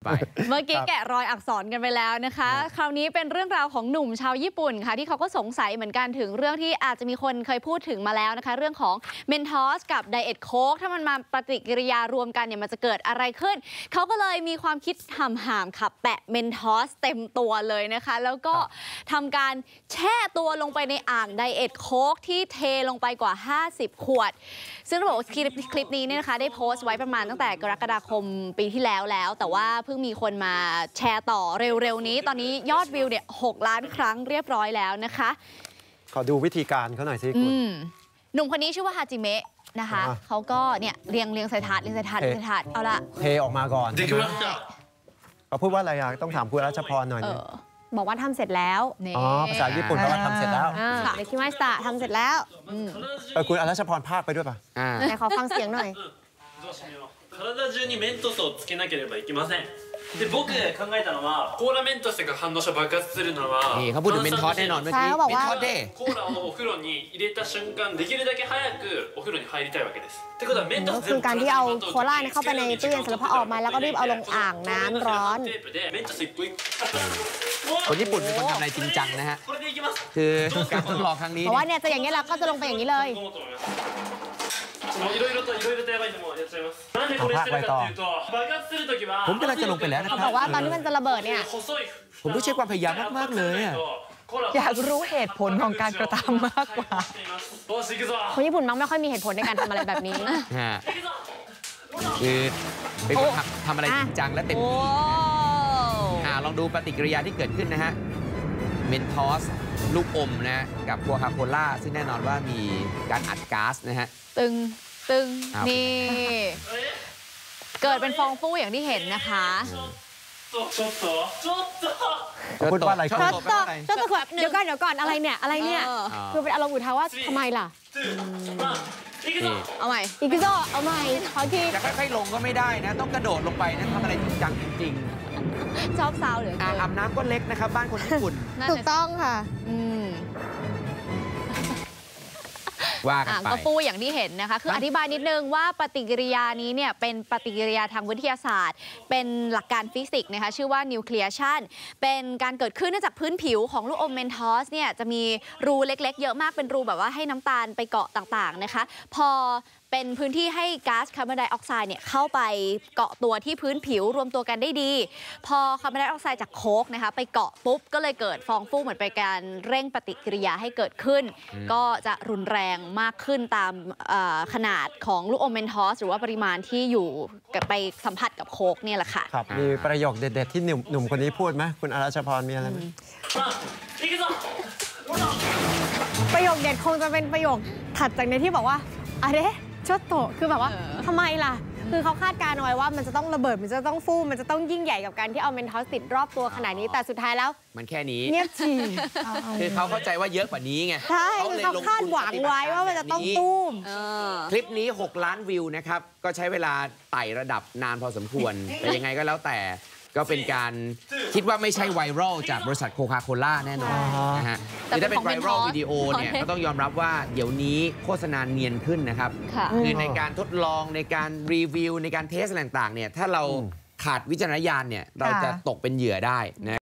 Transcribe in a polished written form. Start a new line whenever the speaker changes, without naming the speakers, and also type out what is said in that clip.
ไป
เมื่อกี้แกะรอยอักษรกันไปแล้วนะคะคราวนี้เป็นเรื่องราวของหนุ่มชาวญี่ปุ่นค่ะที่เขาก็สงสัยเหมือนกันถึงเรื่องที่อาจจะมีคนเคยพูดถึงมาแล้วนะคะเรื่องของเมนทอสกับไดเอทโค้กถ้ามันมาปฏิกิริยารวมกันเนี่ยมันจะเกิดอะไรขึ้นเขาก็เลยมีความคิดห่ามๆค่ะแปะเมนทอสเต็มตัวเลยนะคะแล้วก็ทำการแช่ตัวลงไปในอ่างไดเอทโค้กที่เทลงไปกว่า50ขวดซึ่งระบบคลิปนี้เนี่ยนะคะได้โพสต์ไว้ประมาณตั้งแต่กรกฎาคมปีที่แล้วแต่ว่าเพิ่งมีคนมาแชร์ต่อเร็วๆนี้ตอนนี้ยอดวิวเนี่ย6 ล้านครั้งเรียบร้อยแล้วนะคะ
ขอดูวิธีการเขาหน่อยสิคุณ
หนุ่มคนนี้ชื่อว่าฮาจิเมะนะคะเขาก็เนี่ยเรียงใส่ถาดเอาละ
เทออกมาก่อนเขาพูดว่าอะไรอ่ะต้องถามคุณรัชพรหน่อยนึง
บอกว่าทำเสร็จแล้ว
อ๋อภาษาญี่ปุ่นแปลว่าทำเสร็จแล้ว
เด็กที่ไม่สตาทำเสร็จแล้ว
คุณรัชพรภาคไปด้วยป่ะ
ไหนขอฟังเสียงหน่อย
体中にメントスをつけなければいけませんで僕考えたのはコーラメントスが反応して爆発するのは
นี่เขาพูดถึงเมนทอสแน่นอนเมื่อกี้
เมนทอส
เด้
コーラをお風呂に入れた瞬間できるだけ早くお風呂に入りたいわけですってことはメントス
คือการที่เอาโคลาเข้าไปในตู้เย็นเสร็จแล้วพอออกมาแล้วก็รีบเอาลงอ่างน้ำร้อน
คนญี่ปุ่นเป็นคนทำอะไรจริงจังนะฮะคือการทดลองครั้งนี้
เพราะว่าเนี่ยจะอย่างนี้แล้วก็จะลงไปอย่างนี้เลย
いろいろとやばいのもやっちゃいますなんでこれしてるかっていうと爆発するときは
ผมกำลังจะลงไปแล้วนะครับ
บอกว่าตอนที่มันจะระเบิดเนี่ย
ผมต้องใช้ความพยายามมากๆเลย
อยากรู้เหตุผลของการกระทำมากกว่า
คนญี่ปุ่นมักไม่ค่อยมีเหตุผลในการทำอะไรแบบนี้
คือเป็นคนทำอะไรจริงจังและเต็มที่ลองดูปฏิกิริยาที่เกิดขึ้นนะฮะเมนทอสลูกอมนะกับโคคาโคล่าซึ่งแน่นอนว่ามีการอัดก๊าซนะฮะ
ตึงนี่เกิดเป็นฟองฟูอย่างที่เห็นนะคะ
พูดว่าอะไร
ช็อตต่อเดี๋ยวก่อนอะไรเนี่ยคือเป็นอารมณ์อุทานว่าทำไมล่ะ
เอาใหม่
อีกโซเอาใหม่ขอที
จะค่อยๆลงก็ไม่ได้นะต้องกระโดดลงไปนะทำอะไรจริงจังจริง
ชอบซาวเหลือ
อ่างอาบน้ำก็เล็กนะครับบ้านคนญี่ปุ่น
ถูกต้องค่ะ
ว่ากันไป
ก็ฟูอย่างที่เห็นนะคะคืออธิบายนิดนึงว่าปฏิกิริยานี้เนี่ยเป็นปฏิกิริยาทางวิทยาศาสตร์เป็นหลักการฟิสิกส์นะคะชื่อว่านิวเคลียชันเป็นการเกิดขึ้นเนื่องจากพื้นผิวของลูกอมเมนทอสเนี่ยจะมีรูเล็กๆเยอะมากเป็นรูแบบว่าให้น้ำตาลไปเกาะต่างๆนะคะพอเป็นพื้นที่ให้ก๊าซคาร์บอนไดออกไซด์เนี่ยเข้าไปเกาะตัวที่พื้นผิวรวมตัวกันได้ดีพอคาร์บอนไดออกไซด์จากโค้กนะคะไปเกาะปุ๊บก็เลยเกิดฟองฟูเหมือนเป็นการเร่งปฏิกิริยาให้เกิดขึ้นก็จะรุนแรงมากขึ้นตามขนาดของลูกอมเมนทอสหรือว่าปริมาณที่อยู่ไปสัมผัสกับโค้กเนี่ยแหละค่ะ
ครับมีประโยคเด็ดๆที่หนุ่มคนนี้พูดไหมคุณอรัชพรมีอะไรไหม
ประโยคเด็ดคงจะเป็นประโยคถัดจากในที่บอกว่าอะไรชดโตคือแบบว่าทำไมล่ะคือเขาคาดการณ์เอาไว้ว่ามันจะต้องระเบิดมันจะต้องฟูมันจะต้องยิ่งใหญ่กับการที่เอาเมนทอสติดรอบตัวขนาดนี้แต่สุดท้ายแล้ว
มันแค่นี้
เงียบฉี่
คือเขาเข้าใจว่าเยอะกว่านี้ไง
ใช่คือเขาคาดหวังไว้ว่ามันจะต้องตุ้ม
คลิปนี้6 ล้านวิวนะครับก็ใช้เวลาไต่ระดับนานพอสมควรแต่ยังไงก็แล้วแต่ก็เป็นการคิดว่าไม่ใช่ไวรัลจากบริษัทโคคาโคล่าแน่นอนนะฮะแต่ถ้าเป็นไวรัลวิดีโอเนี่ยก็ต้องยอมรับว่าเดี๋ยวนี้โฆษณาเนียนขึ้นนะครับคือในการทดลองในการรีวิวในการเทสต่างๆเนี่ยถ้าเราขาดวิจารณญาณเนี่ยเราจะตกเป็นเหยื่อได้นะ